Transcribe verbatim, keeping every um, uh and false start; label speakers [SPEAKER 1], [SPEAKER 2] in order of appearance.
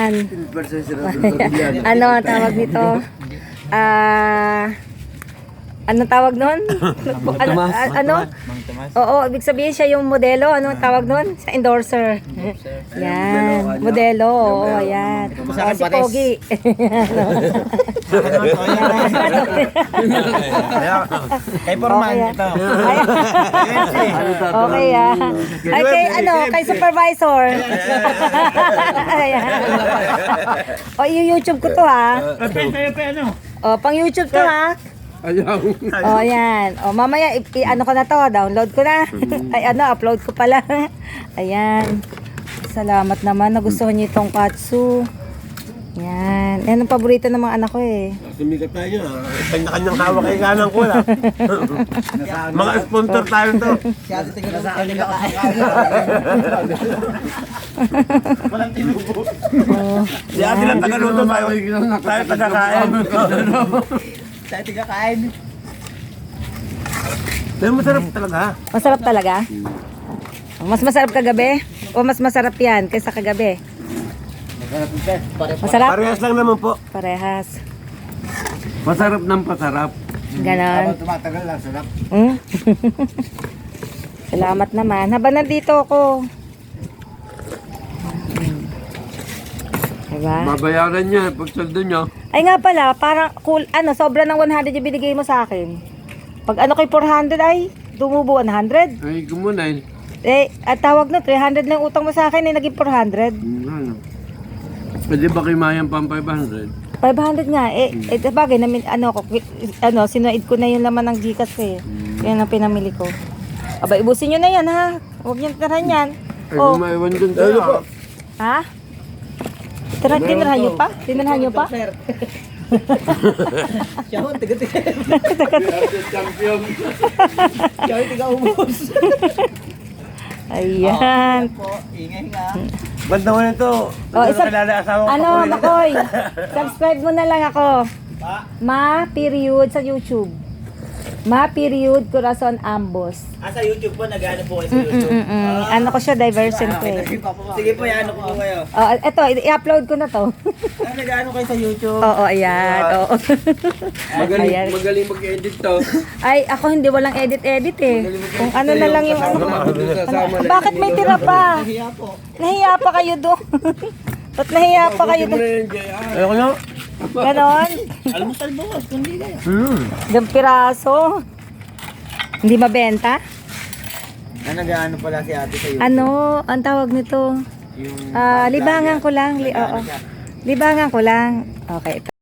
[SPEAKER 1] Ayan. Ano ang tawag nito? Ah... Ano tawag nun? ano? ano? Oo, ibig sabihin siya yung modelo. Ano tawag nun? Sa endorser. Yan. Modelo. Oo, ayan. O, si Pogi.
[SPEAKER 2] Kay Forman ito.
[SPEAKER 1] Okay, ah. Ay, kay ano, kay supervisor. Ayan. O, i-YouTube ko to, ha. O, pang YouTube to, ha.
[SPEAKER 3] Ayaw.
[SPEAKER 1] Oh, yan. Oh, mamaya i, i- ano ko na to, download ko na. Ay, ano, upload ko pala. Ayan. Salamat naman, nagustuhan niyo itong katsu. Yan. Yan ang paborito ng mga anak ko eh.
[SPEAKER 3] Sumikat tayo ha.
[SPEAKER 2] Kanya-kanyang hawak kay ganang ko lang. Mga sponsor tayo to. Walang tinubo.
[SPEAKER 1] Oh,
[SPEAKER 2] Si ate lang tagaluto tayo. Tayo tagakain.
[SPEAKER 4] Tayo tiga kain.
[SPEAKER 2] Pero masarap talaga.
[SPEAKER 1] masarap talaga? Mas masarap kagabi? O mas masarap yan kaysa kagabi? Masarap?
[SPEAKER 2] Parehas lang naman po.
[SPEAKER 1] Parehas.
[SPEAKER 3] Pasarap ng pasarap.
[SPEAKER 1] Ganon.
[SPEAKER 4] Tumatagal lang, sarap.
[SPEAKER 1] Hmm? Salamat naman. Habang nandito ako. Diba?
[SPEAKER 3] Babayaran niya pag saldo niya.
[SPEAKER 1] Ay nga pala, parang cool, ano, sobra ng one hundred yung binigay mo sa akin. Pag ano kay four hundred ay, dumubo one hundred.
[SPEAKER 3] Ay, kumunay.
[SPEAKER 1] Eh, at tawag na, three hundred na yung utang mo sa akin, eh, naging four hundred.
[SPEAKER 3] Ano? Pwede ba kay Mayang pang five hundred?
[SPEAKER 1] five hundred nga, eh, eh bagay, namin, ano, ko, ano, sinuid ko na yung laman ng Gcash ko eh. Yan ang pinamili ko. Aba, ibusin nyo na yan ha. Huwag nyo tirahan yan.
[SPEAKER 3] Ay,
[SPEAKER 1] Oh,
[SPEAKER 3] kung maiwan dun tayo.
[SPEAKER 1] ha? Tira, tinirahan nyo pa? Tinirahan nyo pa?
[SPEAKER 4] Siya ho, tiga-tiga.
[SPEAKER 3] Champion.
[SPEAKER 4] Siya ho, tiga-umos.
[SPEAKER 1] Ayan.
[SPEAKER 4] Po, ingay nga.
[SPEAKER 2] Ba't naman ito?
[SPEAKER 1] Oh, isa,
[SPEAKER 2] Kalala asawa ko.
[SPEAKER 1] ano, Makoy, subscribe mo na lang ako. Ma, period, sa YouTube. Ma, period, Corazon Ambos.
[SPEAKER 4] Ah, sa YouTube po, nag-ano po kayo sa YouTube.
[SPEAKER 1] Mm-mm. Ano ko siya, diversion ko eh.
[SPEAKER 4] Sige po, ano po kayo.
[SPEAKER 1] Oh, eto, i-upload ko na to.
[SPEAKER 4] Ah, nag-ano kayo sa YouTube.
[SPEAKER 1] Oo, ayan. Oo.
[SPEAKER 3] Magaling,
[SPEAKER 1] Ayan.
[SPEAKER 3] magaling mag-edit to.
[SPEAKER 1] Ay, ako hindi walang edit-edit eh. Kung ano na lang yung ano.
[SPEAKER 3] Kasama na.
[SPEAKER 1] Bakit may tira pa?
[SPEAKER 4] Hiya po.
[SPEAKER 1] Nahiya pa kayo doon. Ba't nahiya pa kayo
[SPEAKER 3] Mo na
[SPEAKER 1] doon?
[SPEAKER 3] yung J R.
[SPEAKER 2] Ayoko na.
[SPEAKER 1] Ganon?
[SPEAKER 4] Almusal bukas, kundi kayo.
[SPEAKER 2] Hmm.
[SPEAKER 1] Ilang piraso. Hindi mabenta?
[SPEAKER 4] Ah, nag-ano pala si ate sa YouTube.
[SPEAKER 1] Ano, ang tawag nito?
[SPEAKER 4] Yung
[SPEAKER 1] Ah, libangan ko lang. Li oo. Libangan ko lang. Okay.